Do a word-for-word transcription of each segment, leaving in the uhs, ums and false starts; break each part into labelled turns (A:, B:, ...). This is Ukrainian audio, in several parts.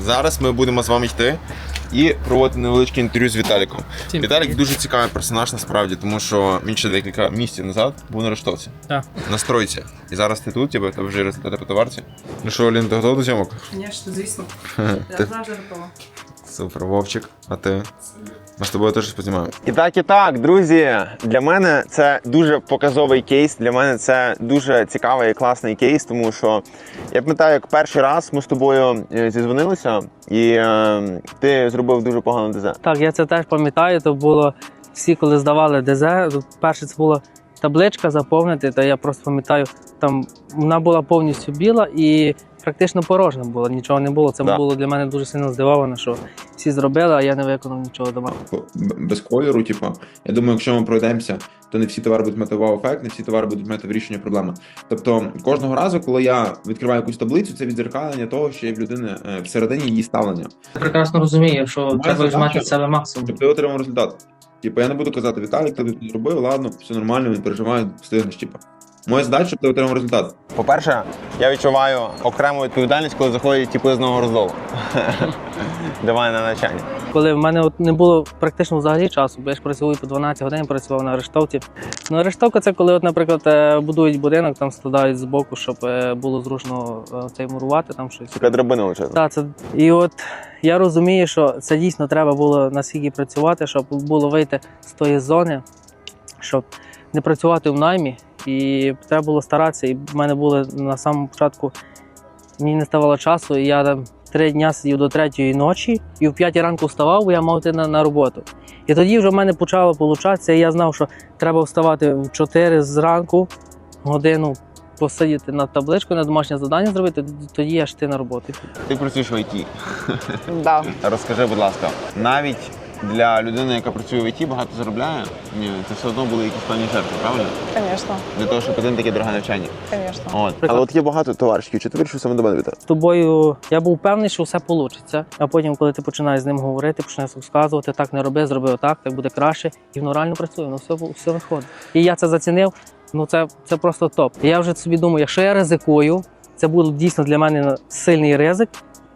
A: Зараз ми будемо з вами йти і проводити невеличке інтерв'ю з Віталіком.
B: Всім
A: Віталік
B: привіт.
A: дуже цікавий персонаж насправді, тому що він ще декілька місяців назад був на Рештовці.
B: Так.
A: На стройці. І зараз ти тут, тебе вже результати по товарці. Ну що, Олін, ти готова до зйомок?
C: Звісно, звісно. Я
A: Ти-
C: завжди готова.
A: Супер, Вовчик, а ти? Ми з тобою теж щось познімаємо. І так, і так, друзі, для мене це дуже показовий кейс, для мене це дуже цікавий і класний кейс, тому що я пам'ятаю, як перший раз ми з тобою е, зізвонилися, і е, ти зробив дуже погану ДЗ.
B: Так, я це теж пам'ятаю, то було всі, коли здавали ДЗ, перше це була табличка заповнити, то я просто пам'ятаю, там вона була повністю біла і практично порожня була, нічого не було. Це
A: Да.
B: було для мене дуже сильно здивовано, що всі зробили, а я не виконав нічого дома.
D: Без кольору, типу, я думаю, якщо ми пройдемося, то не всі товари будуть мати вау-ефект, не всі товари будуть мати вирішення проблеми. Тобто кожного разу, коли я відкриваю якусь таблицю, це відзеркалення того, що є в людини е, всередині її ставлення.
B: Я прекрасно розумію, що
D: Моя
B: треба
D: задача-
B: вжимати в себе максимум.
D: Тобто я отримав результат. Типу, я не буду казати, Віталік, ти тут не зробив, ладно, все нормально, він переживає, встигнеш, типу. Моя задача, щоб ти отримав результат.
A: По-перше, я відчуваю окрему відповідальність, коли заходять типи з нового роздолу. До мене на навчання.
B: Коли в мене от не було практично взагалі часу, бо я ж працюю по дванадцять годин, працював на арештовці. Ну, арештовка це коли, от, наприклад, е, будують будинок, там складають збоку, щоб е, було зручно е, цей мурувати, там щось.
A: Така драбина величезна.
B: Так, це і от я розумію, що це дійсно треба було наскільки працювати, щоб було вийти з тої зони, щоб не працювати в наймі. І треба було старатися. І в мене були на самому початку, мені не ставало часу, і я там три дня сидів до третьої ночі, і в п'ятій ранку вставав, бо я мав йти на, на роботу. І тоді вже в мене почало получатися, і я знав, що треба вставати в чотири зранку, годину посидіти над табличкою, на домашнє завдання зробити, тоді я ж йти на роботу.
A: Ти працюєш в ай ті.
C: Да.
A: Розкажи, будь ласка, навіть для людини, яка працює в ай ті, багато заробляє, ні, це все одно були якісь певні жертви, правильно?
C: Звісно,
A: Для того, щоб один таке дороге навчання.
C: звісно.
A: От. Але от є багато товаришів, чи ти вирішив саме до мене вітати?
B: З тобою я був певний, що все вийде. А потім, коли ти починаєш з ним говорити, починаєш розказувати, так не роби, зроби отак, так буде краще. І воно реально працює, воно все, все виходить. І я це зацінив, ну це, це просто топ. І я вже собі думаю, якщо я ризикую, це буде дійсно для мене сильний ризик.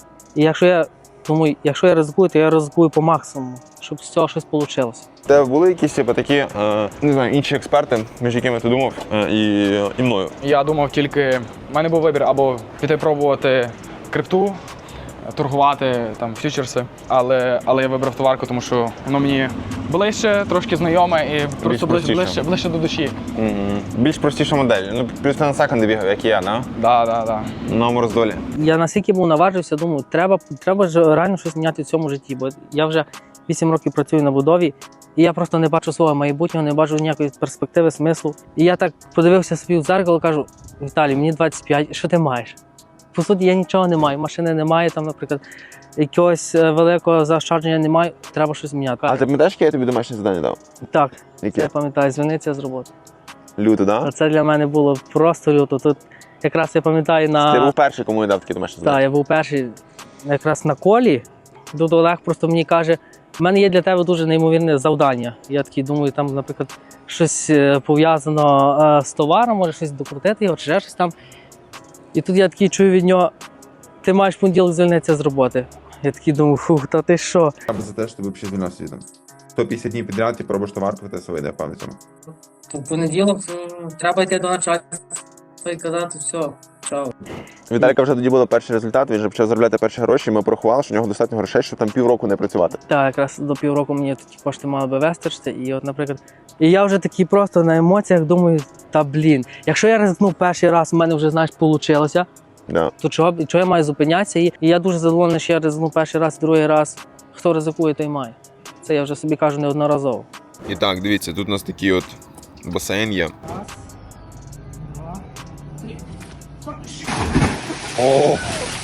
B: І якщо я думаю, якщо я ризикую, то я ризикую по максимуму, щоб з цього щось вийшло.
A: У тебе були якісь типу, такі, е, не знаю, інші експерти, між якими ти думав, е, і, і мною?
E: Я думав тільки, в мене був вибір або піти пробувати крипту, торгувати там фьючерси, але, але я вибрав товарку, тому що воно мені ближче, трошки знайоме і просто ближче,
A: простіше.
E: ближче, ближче до душі.
A: М-м. Більш простіша модель. Ну, плюс ти на секунди бігав, як і я, да?
E: Да, да, да.
A: На новому роздолі.
B: Я настільки був наважився, думаю, треба, треба ж реально щось міняти в цьому житті, бо я вже вісім років працюю на будові, і я просто не бачу свого майбутнього, не бачу ніякої перспективи, смислу. І я так подивився собі в дзеркало, кажу: Віталій, мені двадцять п'ять, що ти маєш? По суті, я нічого не маю, машини немає, там, наприклад, якогось е, великого заощадження немає, треба щось міняти.
A: А ти пам'ятаєш, яке я тобі домашнє завдання дав?
B: Так,
A: Яке?
B: я пам'ятаю, звільнитися з роботи.
A: Люто, да?
B: А це для мене було просто люто. Тут якраз я пам'ятаю на...
A: Ти був перший, кому я дав таке домашнє завдання.
B: Так, я був перший якраз на колі. Тут Олег просто мені каже: в мене є для тебе дуже неймовірне завдання. Я такий думаю, там, наприклад, щось е, пов'язано е, з товаром, може щось докрутити його, чи ще щось там. І тут я такий чую від нього: ти маєш в понеділок звільнитися з роботи. Я такий думаю, фух, та ти що?
D: Я би за те, що ти взагалі звільнився звідти. сто п'ятдесят днів підряд, ти пробуєш товарку, ти все вийде, певно цьому.
B: В понеділок треба йти до начальства і казати: все, чао.
A: У Віталіка вже тоді були перші результати, він вже почав заробляти перші гроші, і ми порахували, що в нього достатньо грошей, щоб там півроку не працювати.
B: Так, якраз до півроку мені ті кошти мали би вистачити. І от, наприклад, і я вже такий просто на емоціях думаю: та блін, якщо я ризикнув перший раз, в мене вже, знаєш, вийшло,
A: Да.
B: то чого, чого я маю зупинятися? І і я дуже задоволений, що я ризикнув перший раз, другий раз. Хто ризикує, той має. Це я вже собі кажу неодноразово.
A: І так, дивіться, тут у нас такий от басейн є. О!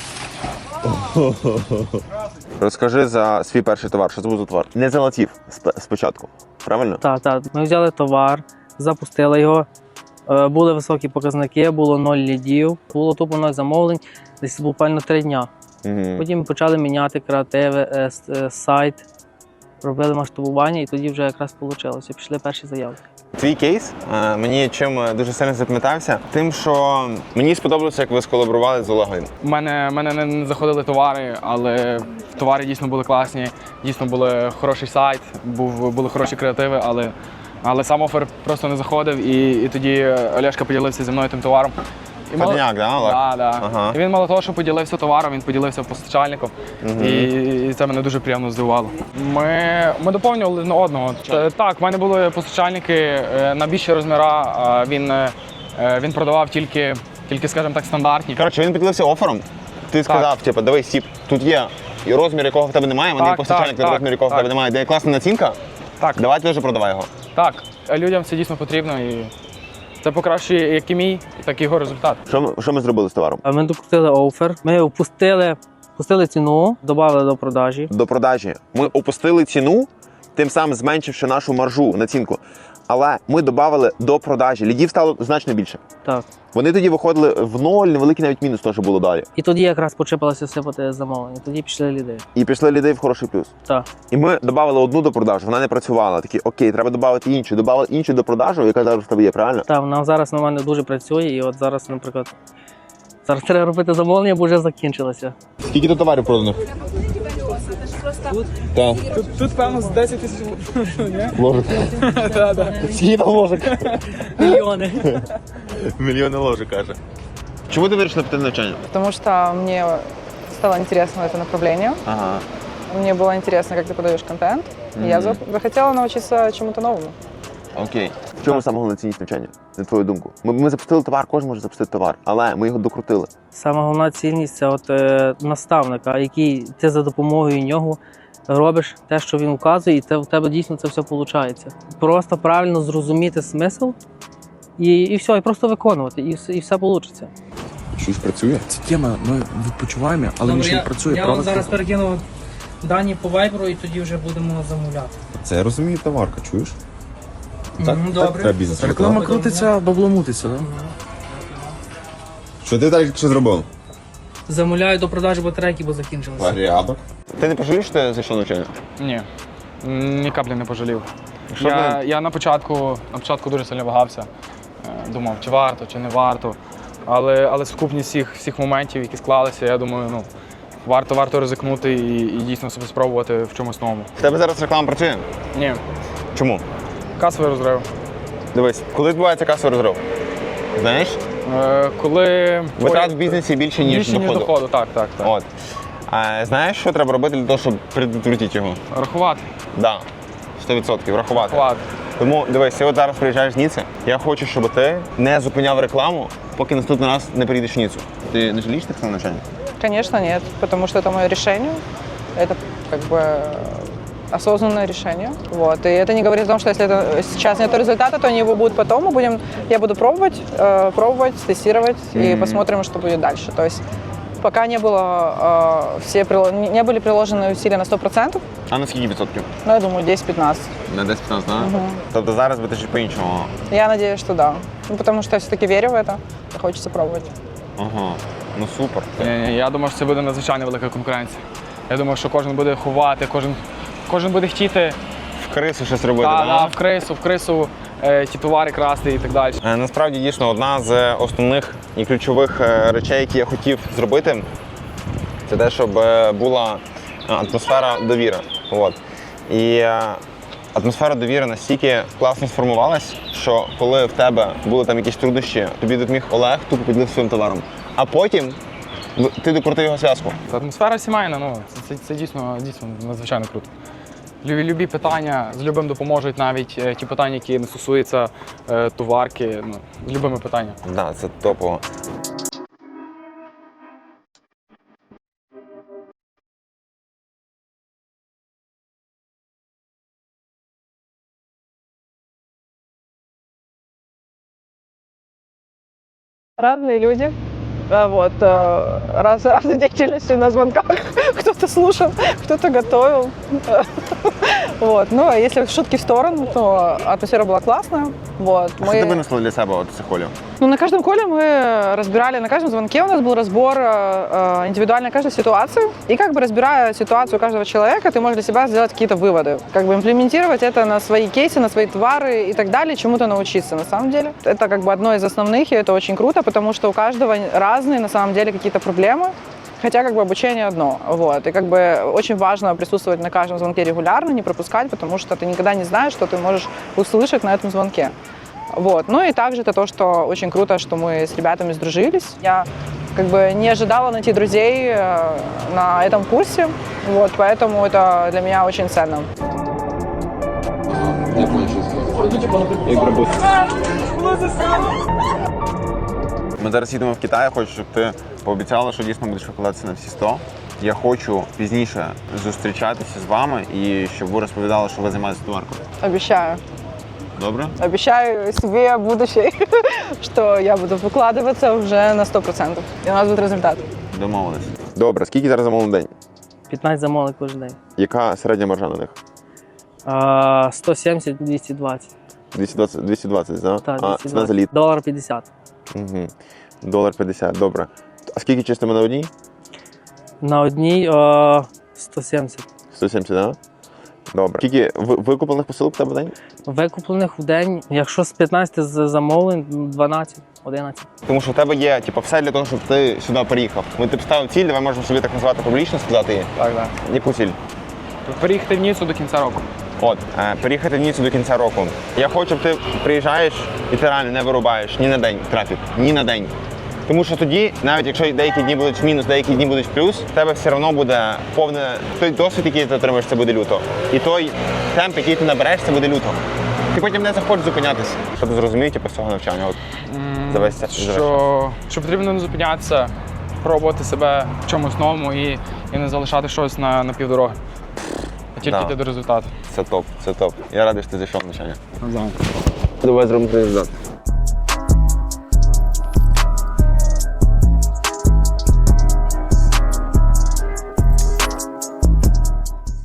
A: Розкажи за свій перший товар, що це був за товар? Не залетів сп- спочатку, правильно?
B: Так, так. Ми взяли товар, запустили його. Е, Були високі показники, було ноль лідів, було тупо ноль замовлень, десь буквально три дня.
A: Угу.
B: Потім почали міняти креативи, е, с- е, сайт, робили масштабування, і тоді вже якраз вийшло. Пішли перші заявки.
A: Твій кейс е, мені чим дуже сильно запам'ятався, тим, що мені сподобалося, як ви сколаборували з Олегом.
E: У мене, мене не- не заходили товари, але товари дійсно були класні, дійсно був хороший сайт, був, були хороші креативи, але, але сам офер просто не заходив, і, і тоді Олешка поділився зі мною тим товаром. І мало-
A: Подняк, да, Олег?
E: Да, да.
A: Ага.
E: І він мало того, що поділився товаром, він поділився постачальником, і, і це мене дуже приємно здивувало. Ми, ми доповнювали один одного. Та- Так, в мене були постачальники е, на більші розміри, а він, е, він продавав тільки, тільки, скажімо так, стандартні.
A: Коротше, він поділився офером. Ти сказав, типу, давай, Стіп, тут є і розмір, якого в тебе немає, мене є
E: Так,
A: постачальник,
E: так,
A: на розмір, якого в
E: так.
A: тебе немає, де є класна націнка,
E: Так,
A: давай ти вже продавай його.
E: так, людям це дійсно потрібно, і це покращує як і мій, так і його результат.
A: Що ми, що ми зробили з товаром?
B: А ми докрутили офер, ми опустили, опустили ціну, додали до продажі.
A: До продажі. Ми опустили ціну, тим самим зменшивши нашу маржу, націнку. Але ми додали до продажі. Лідів стало значно більше.
B: Так.
A: Вони тоді виходили в ноль, невеликий навіть мінус, то, що було далі.
B: І тоді якраз почепилося сипати замовлення. Тоді пішли ліди.
A: І пішли ліди в хороший плюс.
B: Так.
A: І ми додали одну до продажу, вона не працювала. Такі, окей, треба додати іншу. Додали іншу до продажу, яка зараз в тебе є, правильно?
B: Так, вона зараз на мене дуже працює, і от зараз, наприклад, зараз треба робити замовлення, бо вже закінчилося.
A: Скільки тут товарів продано? Так.
E: Тут, тут певно, з десять тисяч
A: Ложок. Скільки там ложок?
B: Мільйони.
A: Мільйони ложок, каже. Чому ти вирішила піти на навчання?
C: Потому что мне стало интересно это направление.
A: Ага.
C: Мне было интересно, как ты подаешь контент. И я за- захотела научиться чему-то новому.
A: Окей. В чому саме головна цінність навчання, на твою думку? Ми, ми запустили товар, кожен може запустити товар, але ми його докрутили.
B: Сама головна цінність це от е, наставника, який ти за допомогою нього робиш те, що він вказує, і це в тебе дійсно це все виходить. Просто правильно зрозуміти смисл і, і все, і просто виконувати, і, все- і все вийде.
F: Щось працює? Ця тема, ми відпочиваємо, але нічого не працює.
B: Я вам
F: правда?
B: зараз перекину дані по вайберу і тоді вже будемо замовляти.
F: Це я розумію, товарка, чуєш? Так,
B: Мгм,
F: так
B: добре.
F: треба бізнес.
B: Реклама
F: Реклама крутиться, бабло мутиться, так? Що ти далі що зробив?
B: Замовляю до продажі батарейки, бо закінчилися.
F: Порядок.
A: Ти не пожалієш, що ти зайшов на навчання?
E: Ні, ні каплі не пожалів.
A: Що
E: Я,
A: ти-
E: я на початку, на початку дуже сильно вагався. Е, Думав, чи варто, чи не варто. Але, але сукупність всіх, всіх моментів, які склалися, я думаю, ну, варто, варто ризикнути і, і дійсно себе спробувати в чомусь новому.
A: В тебе зараз реклама працює?
E: Ні,
A: Чому?
E: касовий розрив.
A: Дивись, коли відбувається касовий розрив? Знаєш?
E: Е, Коли
A: Витрат в бізнесі більше, ніж
E: більше, ніж
A: доходу.
E: доходу, так, так, так.
A: От. А знаєш, що треба робити для того, щоб предотвратити його?
E: Рахувати,
A: Да. сто відсотків, рахувати.
E: рахувати.
A: Тому дивись, ти от зараз приїжджаєш в Ніце, я хочу, щоб ти не зупиняв рекламу, поки наступний раз не приїдеш в Ніцу. Ти не жалієш так на навчання?
C: Конечно, нет, потому что это мое решение. Это как бы осознанное решение. Вот. И это не говорит о том, что если это сейчас нет результата, то они его будут потом. Мы будем, я буду пробовать, э, пробовать, тестировать и посмотрим, что будет дальше. То есть пока не было э, все прило- не не были приложены усилия на сто процентов,
A: А на скільки відсотків?
C: ну, я думаю, десять-пятнадцать.
A: На десять-п'ятнадцять, так? Тобто зараз би ти щось по-іншому.
C: Я надеюсь, что да. Ну, потому что я все-таки верю в это, и хочется пробовать.
A: Ага. Ну супер.
E: Ні, ні, я думаю, що це буде надзвичайно велика конкуренція. Я думаю, що кожен буде ховати, кожен, кожен буде хотіти
A: В крису щось робити,
E: та,
A: да?
E: да, в крису, в крису е, ті товари красти і так далі.
A: Е, Насправді, дійсно, одна з основних і ключових е, речей, які я хотів зробити, це те, щоб е, була е, атмосфера довіри. От. І е, атмосфера довіри настільки класно сформувалась, що коли в тебе були там якісь труднощі, тобі допоміг Олег, тупо поділився своїм товаром. А потім в- ти докрутив його зв'язку.
E: Атмосфера сімейна, ну це, це, це дійсно, дійсно надзвичайно круто. Любі, любі питання з любим допоможуть, навіть е, ті питання, які не стосуються е, товарки, ну, з любими питаннями.
A: Так, да, це топово.
C: Разные люди. А, Вот, э, раз, разной деятельностью на звонках. Кто-то слушал, кто-то готовил. Вот. Ну, а если шутки в сторону, то атмосфера была классная. Вот.
A: А що ти винесла для себе от цих холів?
C: Ну, на каждом коле мы разбирали, на каждом звонке у нас был разбор э, индивидуальной каждой ситуации. И как бы разбирая ситуацию каждого человека, ты можешь для себя сделать какие-то выводы. Как бы имплементировать это на свои кейсы, на свои товары и так далее, чему-то научиться на самом деле. Это как бы одно из основных, и это очень круто, потому что у каждого разные на самом деле какие-то проблемы. Хотя как бы обучение одно, вот, и как бы очень важно присутствовать на каждом звонке регулярно, не пропускать, потому что ты никогда не знаешь, что ты можешь услышать на этом звонке. Вот. Ну и также это то, что очень круто, что мы с ребятами сдружились. Я как бы не ожидала найти друзей на этом курсе, вот, поэтому это для меня очень ценно.
A: Ми зараз їдемо в Китай, я хочу, щоб ти пообіцяла, що дійсно будеш викладатися на всі сто. Я хочу пізніше зустрічатися з вами і щоб ви розповідали, що ви займаєтеся товаркою.
C: Обещаю.
A: Добре?
C: Обещаю себе будущее, что я буду выкладываться уже на сто процентов. И у нас будет результат.
A: Домовились. Добре, скільки зараз замовлень в день?
B: п'ятнадцять замовлень кожен день.
A: Яка середня маржа на них?
B: А, сто сімдесят - двісті двадцять.
A: двісті двадцять, двісті двадцять, да?
B: Так,
A: А
B: двісті
A: ціна за
B: двадцять.
A: літ?
B: Долар п'ятдесят.
A: Угу. Долар п'ятдесят, добре. А скільки чистимо на одній?
B: На одній о, сто сімдесят.
A: сто сімдесят, да? Добре. Скільки ви- викуплених посилок в тебе в день?
B: Викуплених в день, якщо з п'ятнадцяти з- замовлень, дванадцять - одинадцять.
A: Тому що в тебе є типу, все для того, щоб ти сюди приїхав. Ми ти поставив ціль, давай можемо собі так назвати публічно, сказати її.
E: Так, так.
A: Яку ціль?
E: Переїхати в Ніццу до кінця року.
A: От, е, переїхати в Ніццу до кінця року. Я хочу, щоб ти приїжджаєш і ти реально не вирубаєш ні на день трафік, ні на день. Тому що тоді, навіть якщо деякі дні будуть в мінус, деякі дні будуть в плюс, в тебе все одно буде повне той досвід, який ти отримаєш, це буде люто. І той темп, який ти набереш, це буде люто. Ти потім не захочеш зупинятися. Щоб зрозуміти типу, з цього навчання. От, за весь цей- за весь час.
E: Що, що потрібно не зупинятися, пробувати себе в чомусь новому і, і не залишати щось на, на півдороги. А тільки
A: Да.
E: йти до результату.
A: Це топ, це топ. Я радий, що ти зайшов в навчання. Давай зробимо результат.